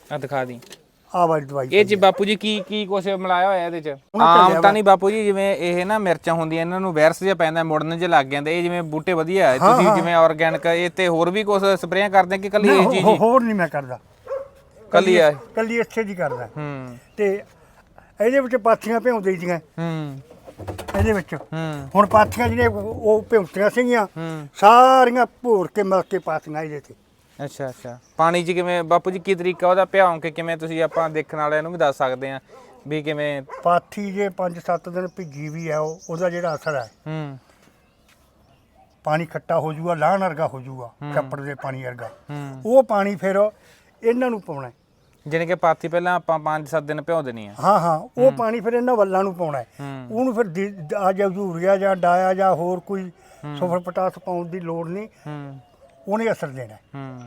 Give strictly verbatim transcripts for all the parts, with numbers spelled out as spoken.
ਆ ਦਿਖਾ ਦੀ ਆ ਵਾਲੀ ਦਵਾਈ ਇਹ ਚ ਬਾਪੂ ਜੀ ਕੀ ਕੀ ਕੁਛ ਮਿਲਾਇਆ ਹੋਇਆ ਇਹਦੇ ਚ? ਆਮ ਤਾਂ ਨਹੀਂ ਬਾਪੂ ਜੀ, ਜਿਵੇਂ ਇਹ ਨਾ ਮਿਰਚਾਂ ਹੁੰਦੀਆਂ ਇਹਨਾਂ ਨੂੰ ਵਾਇਰਸ ਜਿਹਾ ਪੈਂਦਾ, ਮੁੜਨ ਜੇ ਲੱਗ ਜਾਂਦੇ। ਇਹ ਜਿਵੇਂ ਬੂਟੇ ਵਧੀਆ ਹੈ, ਤੁਸੀਂ ਜਿਵੇਂ ਆਰਗੈਨਿਕ ਇਹ ਤੇ ਹੋਰ ਵੀ ਕੁਛ ਸਪਰੇਆਂ ਕਰਦੇ ਕਿ ਕੱਲੀ ਇਹ ਚੀਜ਼? ਹੋਰ ਨਹੀਂ ਮੈਂ ਕਰਦਾ, ਕੱਲੀ ਆ ਕੱਲੀ ਇੱਥੇ ਦੀ ਕਰਦਾ। ਹੂੰ ਤੇ ਇਹਦੇ ਵਿੱਚ ਪਾਥੀਆਂ ਭਿਉਂਦੇ ਦੀਆਂ। ਹੂੰ ਇਹਦੇ ਵਿੱਚ ਹੂੰ ਹੁਣ ਪਾਥੀਆਂ ਜਿਹੜੀਆਂ ਉਹ ਭਿਉਂਤੀਆਂ ਸੀਗੀਆਂ ਸਾਰੀਆਂ ਭੋਰ ਕੇ ਮਿਲ ਕੇ ਪਾਥੀਆਂ ਇਹਦੇ ਤੇ। ਅੱਛਾ ਅੱਛਾ। ਪਾਣੀ 'ਚ ਕਿਵੇਂ ਬਾਪੂ ਜੀ, ਕੀ ਤਰੀਕਾ ਉਹਦਾ ਭਿਆਉਂ ਕੇ ਕਿਵੇਂ ਤੁਸੀਂ ਆਪਾਂ ਦੇਖਣ ਵਾਲਿਆਂ ਨੂੰ ਵੀ ਦੱਸ ਸਕਦੇ ਆ ਵੀ ਕਿਵੇਂ? ਪਾਥੀ ਜੇ ਪੰਜ ਸੱਤ ਦਿਨ ਭਿੱਜੀ ਵੀ ਆ ਉਹ ਉਹਦਾ ਜਿਹੜਾ ਅਸਰ ਹੈ ਹੂੰ ਪਾਣੀ ਖੱਟਾ ਹੋ ਜਾਊਗਾ, ਲਾਹਣ ਵਰਗਾ ਹੋ ਜਾਊਗਾ, ਕੱਪੜ ਦੇ ਪਾਣੀ ਵਰਗਾ। ਹੂੰ ਉਹ ਪਾਣੀ ਫਿਰ ਇਹਨਾਂ ਨੂੰ ਪਾਉਣਾ। ਜਾਣੀ ਕਿ ਪਾਥੀ ਪਹਿਲਾਂ ਆਪਾਂ ਪੰਜ ਸੱਤ ਦਿਨ ਭਿਉਂ ਦੇਣੀ ਆ। ਹਾਂ ਹਾਂ ਉਹ ਪਾਣੀ ਫਿਰ ਇਹਨਾਂ ਵੱਲਾਂ ਨੂੰ ਪਾਉਣਾ ਹੈ। ਹੂੰ ਉਹਨੂੰ ਫਿਰ ਦੀ- ਆ ਜਾਂ ਯੂਰੀਆ ਜਾਂ ਡਾਇਆ ਜਾਂ ਹੋਰ ਕੋਈ ਸੁਪਰ ਪੋਟਾਸ ਪਾਉਣ ਦੀ ਲੋੜ ਨਹੀਂ, ਹੂੰ ਉਹਨੇ ਅਸਰ ਦੇਣਾ। ਹੂੰ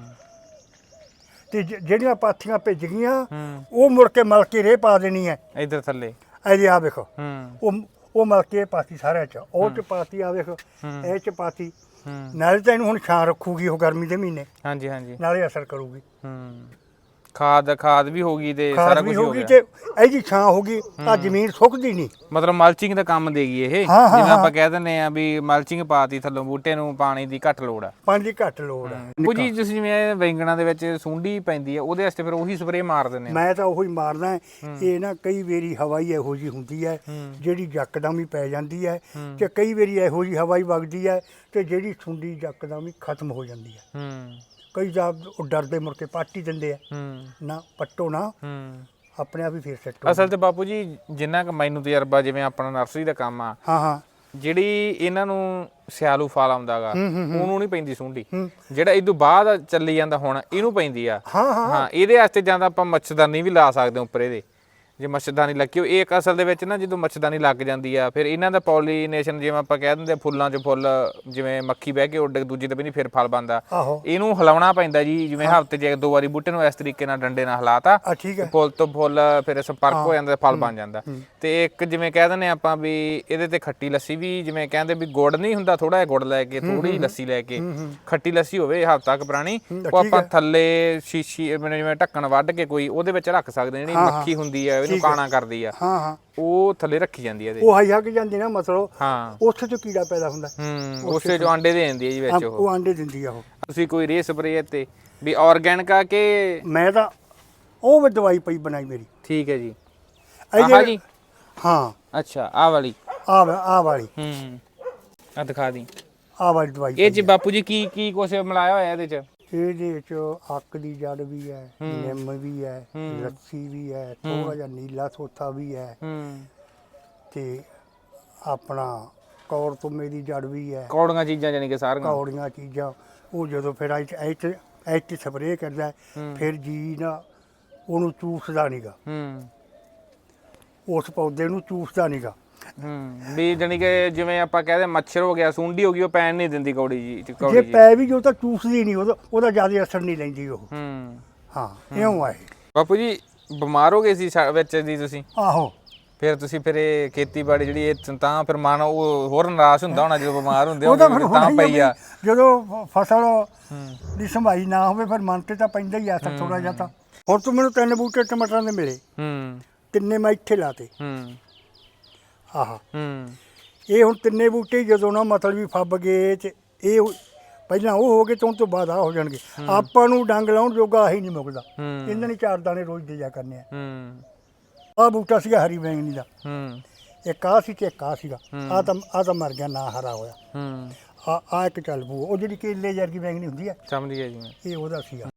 ਤੇ ਜ- ਜਿਹੜੀਆਂ ਪਾਥੀਆਂ ਭਿੱਜ ਗਈਆਂ ਹੂੰ ਉਹ ਮੁੜ ਕੇ ਮਲ ਕੇ ਰੇਹ ਪਾ ਦੇਣੀ ਹੈ। ਇਧਰ ਥੱਲੇ ਇਹਦੇ ਆ ਵੇਖੋ, ਹੂੰ ਉਹ ਉਹ ਮਲ ਕੇ ਪਾਤੀ ਸਾਰਿਆਂ ਚ, ਉਹ ਚ ਪਾਤੀ ਆ ਵੇਖੋ, ਇਹ ਚ ਪਾਤੀ। ਹੂੰ ਨਾਲੇ ਤਾਂ ਇਹਨੂੰ ਹੁਣ ਛਾਂ ਰੱਖੂਗੀ ਉਹ ਗਰਮੀ ਦੇ ਮਹੀਨੇ, ਹਾਂਜੀ ਹਾਂਜੀ। ਨਾਲੇ ਅਸਰ ਕਰੂਗੀ। ਹੂੰ ਖਾਦ ਖਾਦ ਵੀ ਹੋਗੀ ਤੇ ਖਾਦ ਸਾਰਾ ਵੀ ਕੁਝ ਹੋ ਹੋਊਗੀ ਗਿਆ। ਤੇ ਇਹਦੀ ਛਾਂ ਹੋਗੀ, ਆ ਜ਼ਮੀਨ ਸੁੱਕਦੀ ਨਹੀਂ। ਮਤਲਬ ਮਲਚਿੰਗ ਦਾ ਕੰਮ ਦੇਗੀ ਇਹ, ਹਾਂ, ਹਾਂ, ਜਿਵੇਂ ਆਪਾਂ ਹਾਂ। ਕਹਿ ਦਿੰਦੇ ਆ ਵੀ ਮਲਚਿੰਗ ਪਾਤੀ ਥੱਲੋਂ, ਬੂਟੇ ਨੂੰ ਪਾਣੀ ਦੀ ਘੱਟ ਲੋੜ ਆ। ਪਾਣੀ ਦੀ ਘੱਟ ਲੋੜ ਹੈ। ਕੁਝ ਜੀ ਤੁਸੀਂ ਜਿਵੇਂ ਬੈਂਗਣਾ ਦੇ ਵਿੱਚ ਸੁੰਡੀ ਪੈਂਦੀ ਆ, ਉਹਦੇ ਵਾਸਤੇ ਫਿਰ ਉਹੀ ਸਪਰੇਅ ਮਾਰ ਦਿੰਦੇ ਆ? ਮੈਂ ਤਾਂ ਉਹੀ ਮਾਰਦਾ। ਇਹ ਨਾ ਕਈ ਵਾਰੀ ਹਵਾਈ ਇਹੋ ਜੀ ਹੁੰਦੀ ਹੈ ਹੂੰ। ਜਿਹੜੀ ਯਕਦਮ ਹੀ ਪੈ ਜਾਂਦੀ ਹੈ, ਹੂੰ। ਤੇ ਕਈ ਵਾਰੀ ਇਹੋ ਜੀ ਹਵਾਈ ਵਗਦੀ ਹੈ ਤੇ ਜਿਹੜੀ ਸੁੰਡੀ ਯਕਦਮ ਹੀ ਖਤਮ ਹੋ ਜਾਂਦੀ ਹੈ। ਹੂੰ ਕਈ ਜਾਂ ਉਹ ਡਰਦੇ ਮੁੜ ਕੇ ਪੱਟ ਹੀ ਦਿੰਦੇ ਆ, ਹੂੰ ਨਾ ਪੱਟੋ ਨਾ, ਹੂੰ ਆਪਣੇ ਆਪ ਹੀ ਫੇਰ ਸੈੱਟ ਹੋ। ਅਸਲ ਤੇ ਬਾਪੂ ਜੀ ਜਿੰਨਾ ਕੁ ਮੈਨੂੰ ਤਜਰਬਾ, ਜਿਵੇਂ ਆਪਣਾ ਨਰਸਰੀ ਦਾ ਕੰਮ ਆ, ਹਾਂ ਹਾਂ ਜਿਹੜੀ ਇਹਨਾਂ ਨੂੰ ਸਿਆਲੂ ਫਲ ਆਉਂਦਾਗਾ ਹੂੰ, ਹੂੰ, ਹੂੰ। ਉਹਨੂੰ ਨਹੀਂ ਪੈਂਦੀ ਸੁੰਡੀ। ਹੂੰ। ਜਿਹੜਾ ਇਹ ਤੋਂ ਬਾਅਦ ਚੱਲੀ ਜਾਂਦਾ ਹੁਣ ਇਹਨੂੰ ਪੈਂਦੀ ਆ। ਹਾਂ ਹਾਂ ਹਾਂ ਇਹਦੇ ਵਾਸਤੇ ਜਾਂ ਤਾਂ ਆਪਾਂ ਮੱਛਰਦਾਨੀ ਵੀ ਲਾ ਸਕਦੇ ਹਾਂ ਉੱਪਰ ਇਹਦੇ, ਜੇ ਮੱਛਰਦਾਨੀ ਲੱਗੀ ਹੋ। ਇਹ ਇੱਕ ਅਸਲ ਦੇ ਵਿੱਚ ਨਾ ਜਦੋਂ ਮੱਛਰਦਾਨੀ ਲੱਗ ਜਾਂਦੀ ਆ, ਫਿਰ ਇਹਨਾਂ ਦਾ ਪੋਲੀਨੇਸ਼ਨ, ਜਿਵੇਂ ਆਪਾਂ ਕਹਿ ਦਿੰਦੇ ਫੁੱਲਾਂ 'ਚ ਫੁੱਲ, ਜਿਵੇਂ ਮੱਖੀ ਬਹਿ ਕੇ ਉੱਡ ਦੂਜੇ ਤੇ ਵੀ ਨਹੀਂ ਫਿਰ ਫਲ ਬਣਦਾ। ਆਹੋ ਇਹਨੂੰ ਹਿਲਾਉਣਾ ਪੈਂਦਾ ਜੀ, ਜਿਵੇਂ ਹਫ਼ਤੇ 'ਚ ਇੱਕ ਦੋ ਵਾਰੀ ਬੂਟੇ ਨੂੰ ਇਸ ਤਰੀਕੇ ਨਾਲ ਡੰਡੇ ਨਾਲ ਹਿਲਾਤਾ, ਆ ਠੀਕ ਹੈ। ਫੁੱਲ ਤੋਂ ਫੁੱਲ ਫਿਰ ਸੰਪਰਕ ਹੋ ਜਾਂਦਾ, ਫਲ ਬਣ ਜਾਂਦਾ। ਤੇ ਇੱਕ ਜਿਵੇਂ ਕਹਿ ਦਿੰਦੇ ਆਪਾਂ ਵੀ ਇਹਦੇ ਤੇ ਖੱਟੀ ਲੱਸੀ ਵੀ, ਜਿਵੇਂ ਕਹਿੰਦੇ ਵੀ ਗੁੜ ਨਹੀਂ ਹੁੰਦਾ, ਥੋੜਾ ਜਿਹਾ ਗੁੜ ਲੈ ਕੇ, ਥੋੜੀ ਲੱਸੀ ਲੈ ਕੇ, ਖੱਟੀ ਲੱਸੀ ਹੋਵੇ ਹਫ਼ਤਾ ਕੁ ਪੁਰਾਣੀ, ਉਹ ਆਪਾਂ ਥੱਲੇ ਸ਼ੀਸ਼ੀ ਜਿਵੇਂ ਢੱਕਣ ਵੱਢ ਕੇ ਕੋਈ ਉਹਦੇ ਵਿੱਚ ਰੱਖ ਸਕਦੇ। ਜਿਹੜੀ ਮੱਖੀ ਹੁੰਦੀ ਹੈ ਇਹਨੂੰ ਕਾਣਾ ਕਰਦੀ ਆ, ਹਾਂ ਹਾਂ ਉਹ ਥੱਲੇ ਰੱਖੀ ਜਾਂਦੀ ਹੈ ਇਹਦੇ। ਉਹ ਹਾਈ ਹੱਕ ਜਾਂਦੀ ਨਾ, ਮਤਲਬ ਹਾਂ ਉੱਥੇ ਤੋਂ ਕੀੜਾ ਪੈਦਾ ਹੁੰਦਾ। ਹੂੰ ਉਸੇ ਚੋਂ ਆਂਡੇ ਦੇ ਦਿੰਦੀ ਹੈ ਜੀ ਵਿੱਚ ਉਹ। ਉਹ ਆਂਡੇ ਦਿੰਦੀ ਆ ਉਹ। ਤੁਸੀਂ ਕੋਈ ਰੇ ਸਪਰੇਅ ਤੇ ਵੀ ਆਰਗੈਨਿਕ ਆ ਕਿ? ਮੈਂ ਤਾਂ ਉਹ ਵੀ ਦਵਾਈ ਪਈ ਬਣਾਈ ਮੇਰੀ। ਠੀਕ ਹੈ ਜੀ। ਇਹਦੇ- ਆਹ ਜੀ? ਹਾਂ ਅੱਛਾ ਆਹ ਵਾਲੀ? ਆ ਆ ਵਾਲੀ, ਹੂੰ ਆ ਦਿਖਾ ਦੀ ਆ ਵਾਲੀ ਦਵਾਈ ਇਹ ਚ ਬਾਪੂ ਜੀ ਕੀ ਕੀ ਕੁਛ ਮਿਲਾਇਆ ਹੋਇਆ ਇਹਦੇ ਚ? ਇਹਦੇ ਵਿੱਚ ਅੱਕ ਦੀ ਜੜ ਵੀ ਹੈ, ਨਿੰਮ ਵੀ ਹੈ, ਲੱਸੀ ਵੀ ਹੈ, ਥੋੜਾ ਜਿਹਾ ਨੀਲਾ ਸੋਥਾ ਵੀ ਹੈ, ਹੂੰ ਤੇ ਆਪਣਾ ਕੌੜ ਤੁੰਮੇ ਦੀ ਜੜ ਵੀ ਹੈ। ਕੌੜੀਆਂ ਚੀਜ਼ਾਂ ਜਾਨੀ ਕਿ ਸਾਰੀਆਂ? ਕੌੜੀਆਂ ਚੀਜ਼ਾਂ। ਉਹ ਜਦੋਂ ਫਿਰ ਇੱਥੇ ਇੱਥੇ ਸਪਰੇਅ ਕਰਦਾ, ਫਿਰ ਜੀ ਨਾ ਉਹਨੂੰ ਚੂਸਦਾ ਨਹੀਂਗਾ, ਹੂੰ ਉਸ ਪੌਦੇ ਨੂੰ ਚੂਸਦਾ ਨਹੀਂਗਾ। ਹੂੰ ਵੀ ਜਾਨੀ ਕਿ ਜਿਵੇਂ ਆਪਾਂ ਕਹਦੇ ਮੱਛਰ ਹੋ ਗਿਆ, ਸੁੰਡੀ ਹੋ ਗਈ, ਉਹ ਪੈਣ ਨਹੀਂ ਦਿੰਦੀ ਕੌੜੀ ਜੀ, ਕੌੜੀ ਜੇ ਜੀ। ਪੈ ਵੀ ਜੋ ਤਾਂ ਚੂਸਦੀ ਨਹੀਂ, ਉਹਦਾ ਉਹਦਾ ਜ਼ਿਆਦਾ ਅਸਰ ਨਹੀਂ ਲੈਂਦੀ ਉਹ। ਹੂੰ ਹਾਂ ਇਉਂ ਆ ਇਹ। ਬਾਪੂ ਜੀ ਬਿਮਾਰ ਹੋ ਗਏ ਸੀ ਸਾ- ਵਿੱਚ ਦੀ ਤੁਸੀਂ? ਆਹੋ ਫਿਰ ਤੁਸੀਂ ਫਿਰ ਇਹ ਖੇਤੀਬਾੜੀ ਜਿਹੜੀ ਇਹ ਤਾਂ ਫਿਰ ਮਨ ਉਹ ਹੋਰ ਨਿਰਾਸ਼ ਹੁੰਦਾ ਹੋਣਾ ਜਦੋਂ ਬਿਮਾਰ ਹੁੰਦੇ ਉਹਦਾ ਹੋ ਫਿਰ ਤਾਂ ਪਈ ਆ। ਜਦੋਂ ਫਸਲ ਦੀ ਸੰਭਾਈ ਨਾ ਹੋਵੇ ਫਿਰ ਮਨ ਤੇ ਤਾਂ ਪੈਂਦਾ ਹੀ ਆ ਅਸਰ ਥੋੜਾ ਜਿਹਾ ਤਾਂ। ਹੁਣ ਤੂੰ ਮੈਨੂੰ ਤਿੰਨ ਬੂਟੇ ਟਮਾਟਰਾਂ ਦੇ ਮਿਲੇ, ਹੂੰ ਤਿੰਨੇ ਮੈਂ ਇੱਥੇ ਲਾਤੇ। ਹੂੰ ਆਹ ਹੂੰ ਇਹ ਹੁਣ ਤਿੰਨੇ ਬੂਟੇ ਜਦੋਂ ਨਾ ਮਤਲਬ ਵੀ ਫੱਬ ਗਏ ਤੇ ਇਹ ਪਹਿਲਾਂ ਉਹ ਹੋ ਗਏ ਤੇ ਹੁਣ ਤੋਂ ਬਾਅਦ ਆ ਹੋ ਜਾਣਗੇ। ਆਪਾਂ ਨੂੰ ਡੰਗ ਲਾਉਣ ਜੋਗਾ ਆਹੀ ਨਹੀਂ ਮੁੱਕਦਾ, ਹੂੰ ਇਹਨਾਂ ਨੇ ਚਾਰ ਦਾਣੇ ਰੋਜ਼ ਦੇ ਜਾ ਕਰਨੇ ਆ। ਹੂੰ ਆਹ ਬੂਟਾ ਸੀਗਾ ਹਰੀ ਬੈਂਗਣੀ ਦਾ, ਹੂੰ ਇੱਕ ਆਹ ਸੀ ਤੇ ਇੱਕ ਆਹ ਸੀਗਾ। ਆਹ ਤਾਂ ਆਹ ਤਾਂ ਮਰ ਗਿਆ, ਨਾ ਹਰਾ ਹੋਇਆ। ਹੂੰ ਆ ਆ ਇੱਕ ਚੱਲ ਪੂ, ਉਹ ਜਿਹੜੀ ਕੇਲੇ ਵਰਗੀ ਬੈਂਗਣੀ ਹੁੰਦੀ ਹੈ, ਸਮਝ ਗਿਆ ਜੀ ਮੈਂ। ਇਹ ਉਹਦਾ ਸੀਗਾ।